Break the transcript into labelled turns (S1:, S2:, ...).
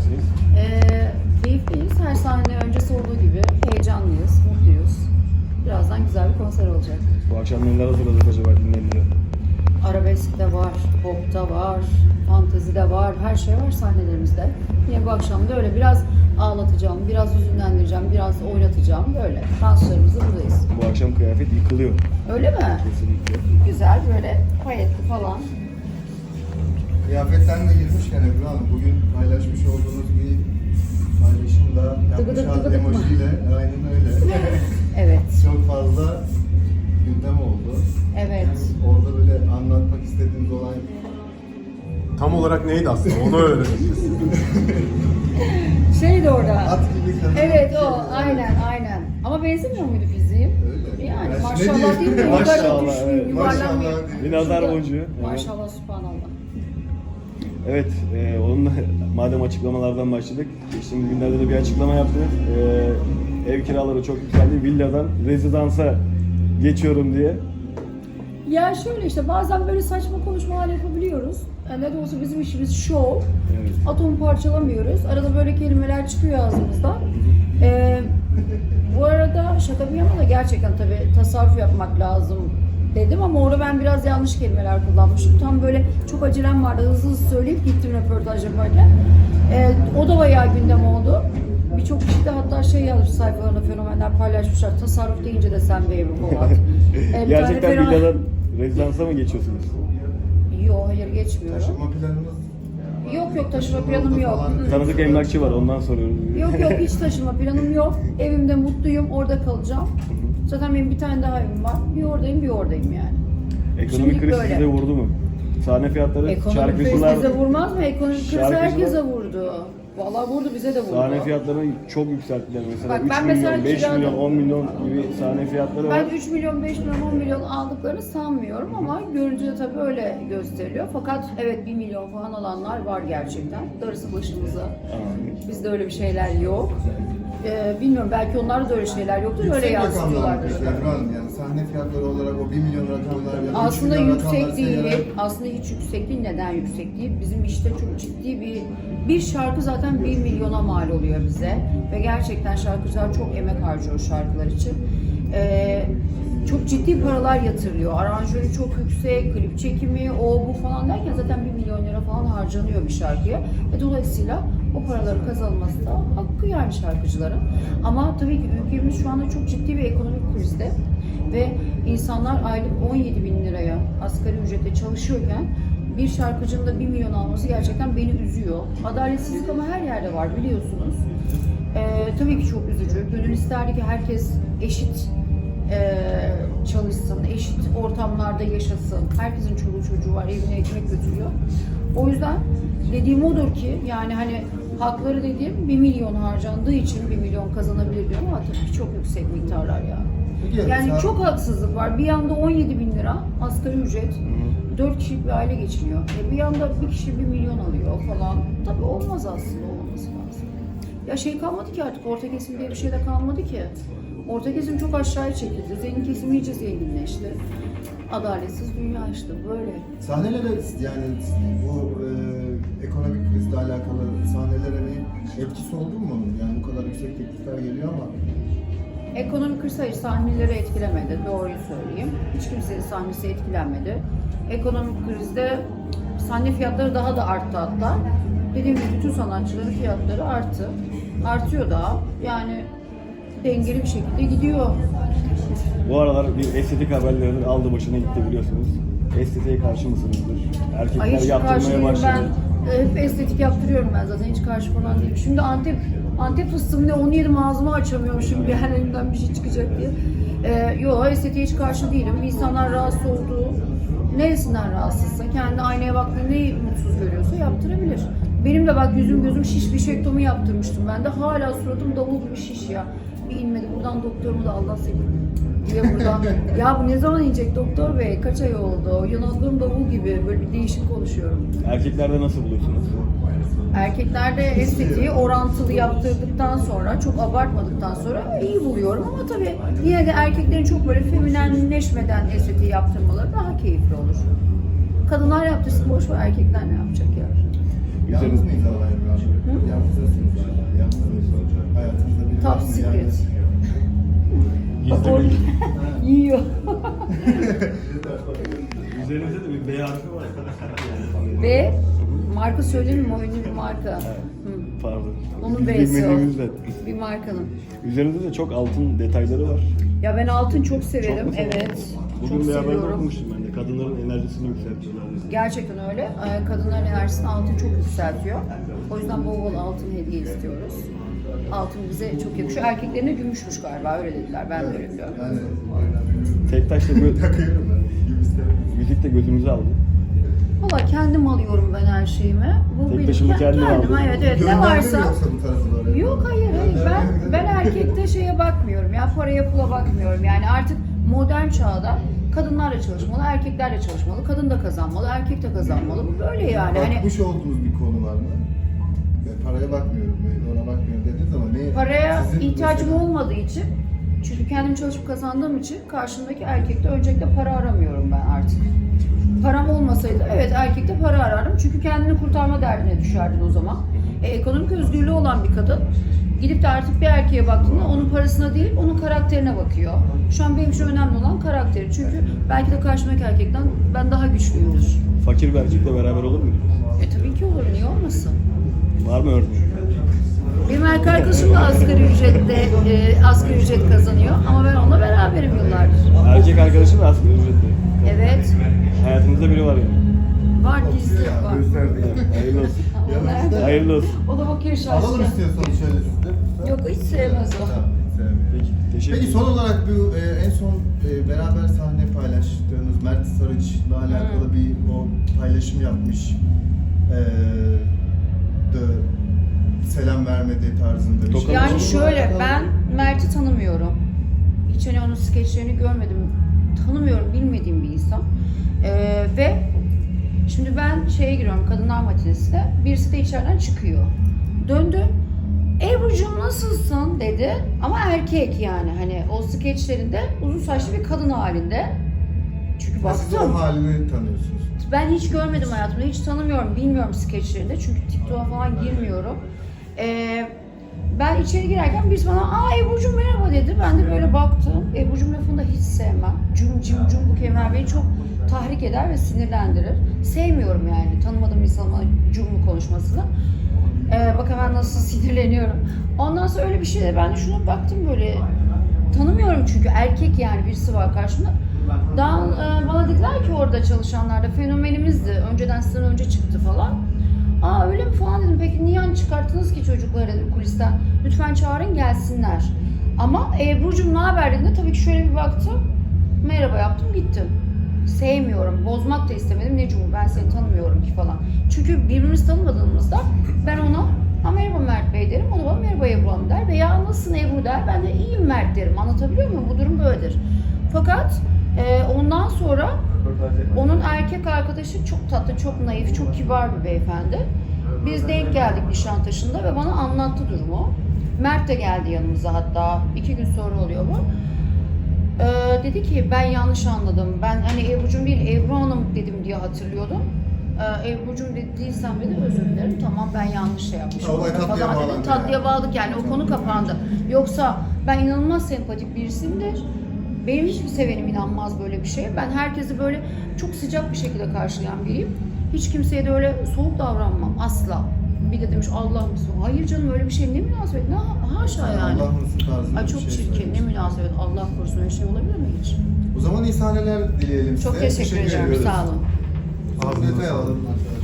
S1: keyiflisiniz?
S2: Keyifliyiz. Her sahne öncesi olduğu gibi heyecanlıyız, mutluyuz. Birazdan güzel bir konser olacak.
S1: Bu akşam neler hazırladık acaba dinleyenlere?
S2: Arabesk de var, pop da var, fantezi de var, her şey var sahnelerimizde. Yine bu akşam da öyle biraz ağlatacağım, biraz hüzünlendireceğim, biraz oynatacağım. Böyle danslarımızda buradayız.
S1: Bu akşam kıyafet yıkılıyor.
S2: Öyle mi?
S1: Kesinlikle.
S2: Güzel, böyle payetli falan.
S3: Kıyafetten de girmişken Ebru Hanım, bugün paylaşmış olduğunuz bir paylaşımda
S2: Tıgıdık
S3: yapmış
S2: tıgıdık mı?
S3: emojiyle, aynen öyle.
S2: Evet,
S3: Çok fazla gündem oldu.
S2: evet.
S3: Orada böyle anlatmak istediğiniz olay
S4: Tam olarak neydi aslında? Onu öğreneceğiz.
S2: Şeydi orada.
S3: at gibi kadın.
S2: Evet o, aynen. Ama benzemiyor muydu fiziğim?
S3: Öyle.
S2: Yani
S3: Ben
S2: maşallah değil mi?
S1: Maşallah,
S2: Yuvarlak
S1: evet.
S2: düşmüyor, yuvarlanmıyor.
S3: Maşallah değil.
S1: Bir nazar
S2: Şurada-
S1: boncuğu. Evet.
S2: Maşallah, subhanallah.
S1: Evet, onunla madem açıklamalardan başladık, geçtiğimiz günlerde de bir açıklama yaptı. Ev kiraları çok yükseldi, villadan rezidansa geçiyorum diye.
S2: Ya şöyle işte bazen böyle saçma konuşmalar yapabiliyoruz. Yani ne de olsa bizim işimiz şov.
S1: Evet.
S2: Atomu parçalamıyoruz. Arada böyle kelimeler çıkıyor ağzımızdan. Bu arada şaka bir yana da gerçekten tabii tasarruf yapmak lazım dedim ama orada ben biraz yanlış kelimeler kullanmışım. Tam böyle çok acelem vardı, hızlı söyleyip gittim röportaj yaparken. O da bayağı gündem oldu. Birçok kişi de hatta şey yazmış sayfalarında, fenomenler paylaşmışlar. Tasarruf deyince de sen be Ebru Polat. Bir tane
S1: Gerçekten
S2: fenomen-
S1: villadan rezidansa mı geçiyorsunuz?
S2: Yok, hayır geçmiyorum.
S3: Taşınma planınız
S2: Yok taşıma planım yok.
S3: falan.
S1: Tanıdık emlakçı var, ondan soruyorum.
S2: Yok hiç taşıma planım yok. Evimde mutluyum, orada kalacağım. Zaten benim bir tane daha evim var. Bir oradayım yani.
S1: Ekonomik
S2: Şimdilik
S1: kriz
S2: böyle.
S1: size vurdu mu? Sahne fiyatları,
S2: Ekonomik kriz
S1: şarkıcılar,
S2: bize vurmaz mı? Ekonomik kriz
S1: Şarkıcılar-
S2: herkese vurdu. Vallahi vurdu, bize de vurdu.
S1: sahne fiyatlarını çok yükselttiler. Mesela
S2: Bak,
S1: 3
S2: ben
S1: milyon,
S2: mesela
S1: 5
S2: kirada-
S1: milyon, 10 milyon gibi sahne fiyatları var.
S2: Ben 3 milyon, 5 milyon, 10 milyon aldıklarını sanmıyorum ama görüntüde tabii öyle gösteriliyor. Fakat evet 1 milyon falan alanlar var gerçekten. Darısı başımıza. Bizde öyle bir şeyler yok. Bilmiyorum, belki onlarda da öyle şeyler yoktur, öyle
S3: Yüksek rakamlar
S2: yansıtıyorlardır.
S3: peki Ebru Hanım, yani sahne fiyatları olarak o 1 milyon rakamlar ya da 3
S2: Aslında
S3: milyon
S2: yüksek
S3: rakamları
S2: değil.
S3: seyrederek-
S2: Aslında hiç yüksek değil. Neden yüksek değil? Bizim işte çok ciddi bir şarkı zaten 1 milyona mal oluyor bize. Ve gerçekten şarkıcılar çok emek harcıyor şarkılar için. Çok ciddi paralar yatırılıyor. Aranjörü çok yüksek, klip çekimi, o bu falan derken zaten 1 milyon lira falan harcanıyor bir şarkıya. Dolayısıyla o paraların kazanılması da hakkı yani şarkıcıların. Ama tabii ki ülkemiz şu anda çok ciddi bir ekonomik krizde. Ve insanlar aylık 17 bin liraya asgari ücretle çalışıyorken bir şarkıcının da 1 milyon alması gerçekten beni üzüyor. Adaletsizlik ama her yerde var biliyorsunuz. Tabii ki çok üzücü. Gönül isterdi ki herkes eşit çalışsın, eşit ortamlarda yaşasın. Herkesin çoluğu çocuğu var, evine ekmek götürüyor. O yüzden dediğim odur ki yani hani hakları dediğim 1 milyon harcandığı için 1 milyon kazanabilir diyorum ama tabii ki çok yüksek miktarlar ya.
S3: Peki,
S2: Yani
S3: mesela-
S2: çok haksızlık var. Bir yanda 17 bin lira asgari ücret, 4 kişilik bir aile geçiniyor. Bir yanda bir kişi 1 milyon alıyor falan. Tabii olmaz aslında, olmaması lazım. Ya şey kalmadı ki artık, orta kesim diye bir şey de kalmadı ki. Orta kesim çok aşağıya çekildi. Zengin kesim iyice zenginleşti. Adaletsiz dünya işte böyle.
S3: Sahnelere yani bu ekonomik krizle alakalı sahnelere bir etkisi oldu mu? Yani bu kadar yüksek teklifler geliyor ama
S2: Ekonomik kriz hayır sahneleri etkilemedi, doğruyu söyleyeyim. Hiç kimsenin sahnesi etkilenmedi. Ekonomik krizde sahne fiyatları daha da arttı hatta. Dediğim gibi bütün sanatçıların fiyatları arttı. Artıyor daha. Yani dengeli bir şekilde gidiyor.
S1: Bu aralar bir estetik haberlerinin aldı başına gitti biliyorsunuz. Estetiğe karşı mısınızdır?
S2: Ay
S1: Erkekler
S2: hiç karşı
S1: yaptırmaya
S2: değilim
S1: başladı.
S2: ben. Hep estetik yaptırıyorum ben zaten, hiç karşı falan değilim. Şimdi Antep fıstığım ne, onu yedim ağzımı açamıyormuşum bir an elimden bir şey çıkacak diye. Yok estetiğe hiç karşı değilim. İnsanlar rahatsız olduğu, neresinden rahatsızsa, kendi aynaya baktığında neyi mutsuz görüyorsa yaptırabilir. Benim de bak yüzüm gözüm şiş, bişektomi yaptırmıştım ben de. Hala suratım davul gibi şiş ya. Bir inmedi. Buradan doktorumu da Allah seni diye buradan. Ya bu ne zaman inecek doktor bey? Kaç ay oldu? Yanaklarım davul gibi. Böyle bir değişik konuşuyorum.
S1: Erkeklerde nasıl buluyorsunuz?
S2: Erkeklerde estetiği orantılı yaptırdıktan sonra, çok abartmadıktan sonra iyi buluyorum ama tabii yine de erkeklerin çok böyle feminenleşmeden estetiği yaptırmaları daha keyifli olur. Kadınlar yaptırsın, boş ver, erkekler ne yapacak ya?
S3: yalnız mıyız Allah'a Ebru Hanım? Yalnızız.
S2: Or- yiyor.
S1: Üzerinizde de bir B harfi var.
S2: Ve marka söyleyeyim mi? O ünlü bir marka. Hı.
S1: Pardon.
S2: Onun
S1: Biz
S2: B'si
S1: bilmediğimizden.
S2: o. Bir markanın.
S1: Üzerinizde de çok altın detayları var.
S2: Ya ben altın çok severim.
S1: Çok mu seviyorsun?
S2: Evet.
S1: Bugün
S2: çok
S1: bir haberde
S2: seviyorum.
S1: okumuştum ben de. Kadınların enerjisini yükseltiyorlar.
S2: Gerçekten öyle. Kadınların enerjisini altın çok yükseltiyor. O yüzden bol bol altın hediye istiyoruz. Altın bize çok yakışıyor. Erkeklerine gümüşmüş galiba, öyle dediler. Ben de öyle biliyorum.
S3: Yani
S1: Tek taşla
S3: takıyorum ben. Gümüşleri.
S1: müzik de gözümüzü aldı.
S2: Valla kendim alıyorum ben her şeyimi. Bu
S1: Tek
S2: benim
S1: taşıma kendin
S2: kendim.
S1: aldın.
S2: Evet evet, ne
S3: Gönderdin mi
S2: varsa.
S3: yoksa bu tarafa doğru?
S2: Yok hayır ben erkekte şeye bakmıyorum ya, paraya pula bakmıyorum yani. Artık modern çağda kadınlar da çalışmalı, erkekler de çalışmalı, kadın da kazanmalı, erkek de kazanmalı, bu böyle yani. Hani
S3: Bakmış olduğunuz bir konu var mı? Ben paraya bakmıyorum, ona bakmıyorum dediniz ama ne?
S2: paraya
S3: Sizin
S2: ihtiyacım
S3: mesela-
S2: olmadığı için, çünkü kendim çalışıp kazandığım için karşımdaki erkekte öncelikle para aramıyorum ben artık. Param olmasaydı evet erkekte para arardım, çünkü kendini kurtarma derdine düşerdin o zaman. Ekonomik özgürlüğü olan bir kadın gidip de artık bir erkeğe baktığında onun parasına değil, onun karakterine bakıyor. Şu an benim için önemli olan karakteri, çünkü belki de karşımdaki erkekten ben daha güçlüyümdür.
S1: Fakir bir erkekle beraber olur mu?
S2: Tabii ki olur, niye olmasın?
S1: Var mı örneği?
S2: Benim erkek arkadaşım da asgari ücret kazanıyor ama ben onunla beraberim yıllardır.
S1: Erkek arkadaşım da asgari ücretli.
S2: Evet,
S1: Hayatınızda biri var yani.
S2: var, gizli var.
S3: Gösterdik.
S1: Hayırlı olsun.
S3: Yanınızda
S1: Hayırlı olsun.
S2: O da bakıyor
S3: alalım
S2: şaşkın.
S3: istiyorsanız şöyle sizde.
S2: Yok, hiç sevmez o.
S3: Tamam, sevmiyorum.
S1: Peki, teşekkür
S3: Peki son olarak bu en son beraber sahne paylaştığınız Mert Sarıç'la alakalı bir o paylaşım yapmış. De selam vermedi tarzında bir şey.
S2: Yani
S3: Onunla
S2: şöyle,
S3: alakalı-
S2: ben Mert'i tanımıyorum. Hiç hani onun skeçlerini görmedim. Tanımıyorum, bilmediğim bir insan. Ve şimdi ben şeye giriyorum, kadınlar matinesine. Birisi de içeriden çıkıyor. Döndü. Ebru'cum nasılsın dedi. Ama erkek yani, hani o skeçlerinde uzun saçlı bir kadın halinde. Çünkü
S3: Siz
S2: baktım.
S3: o halini tanıyorsunuz.
S2: Ben hiç görmedim hayatımda, hiç tanımıyorum, bilmiyorum skeçlerinde, çünkü TikTok'a falan girmiyorum. Ben içeri girerken birisi bana "Aa Ebru'cum merhaba" dedi. Ben de böyle baktım. Ebru'cum lafını da hiç sevmem. Cum cim cum bu kelimeler beni çok tahrik eder ve sinirlendirir. Sevmiyorum yani tanımadığım insanın bana cumlu konuşmasını. Bak hemen nasıl sinirleniyorum. Ondan sonra öyle bir şey de ben de şuna baktım böyle. Tanımıyorum çünkü erkek yani, birisi var karşımda. Daha bana dediler ki orada çalışanlar da fenomenimizdi. Önceden sizden önce çıktı falan. Aa öyle mi falan dedim. Peki niye çıkarttınız ki çocukları dedim kulisten. Lütfen çağırın gelsinler. Ama Ebru'cum ne haber dediğinde tabii ki şöyle bir baktım. Merhaba yaptım gittim. Sevmiyorum. Bozmak da istemedim. Ne cumu ben seni tanımıyorum ki falan. Çünkü birbirimizi tanımadığımızda ben ona "Ha merhaba Mert Bey" derim. O da bana "Merhaba Ebru Hanım" der. Veya "Nasılsın Ebru" der. Ben de "İyiyim Mert" derim. Anlatabiliyor muyum? Bu durum böyledir. Fakat ondan sonra onun erkek arkadaşı çok tatlı, çok naif, çok kibar bir beyefendi. Biz denk geldik Nişantaşı'nda ve bana anlattı durumu. Mert de geldi yanımıza, hatta 2 gün sonra oluyor bu. Dedi ki ben yanlış anladım. Ben hani Ebru'cum değil Ebru Hanım dedim diye hatırlıyordum. Ebru'cum dediysem de özür dilerim. Tamam ben yanlış şey yapmışım.
S3: Olay tatlıya
S2: Falan dedim.
S3: bağlandı
S2: Tatlıya
S3: yani.
S2: bağladık yani, o konu kapandı. Yoksa ben inanılmaz sempatik birisiyimdir. Benim hiçbir sevenim inanmaz böyle bir şeye. Ben herkesi böyle çok sıcak bir şekilde karşılayan biriyim. Hiç kimseye de öyle soğuk davranmam asla. Bir de demiş Allah mısın? Hayır canım, öyle bir şey ne münasebet? Ne haşa yani.
S3: Allah mısın tarzında
S2: Ay
S3: bir
S2: çok
S3: şey
S2: çirkin, ne
S3: söylemiş.
S2: münasebet. Allah korusun, öyle şey olabilir mi hiç?
S3: O zaman iyi sahneler dileyelim size.
S2: Çok teşekkür ederim,
S3: ediyoruz.
S2: sağ olun.
S3: Afiyet olsun.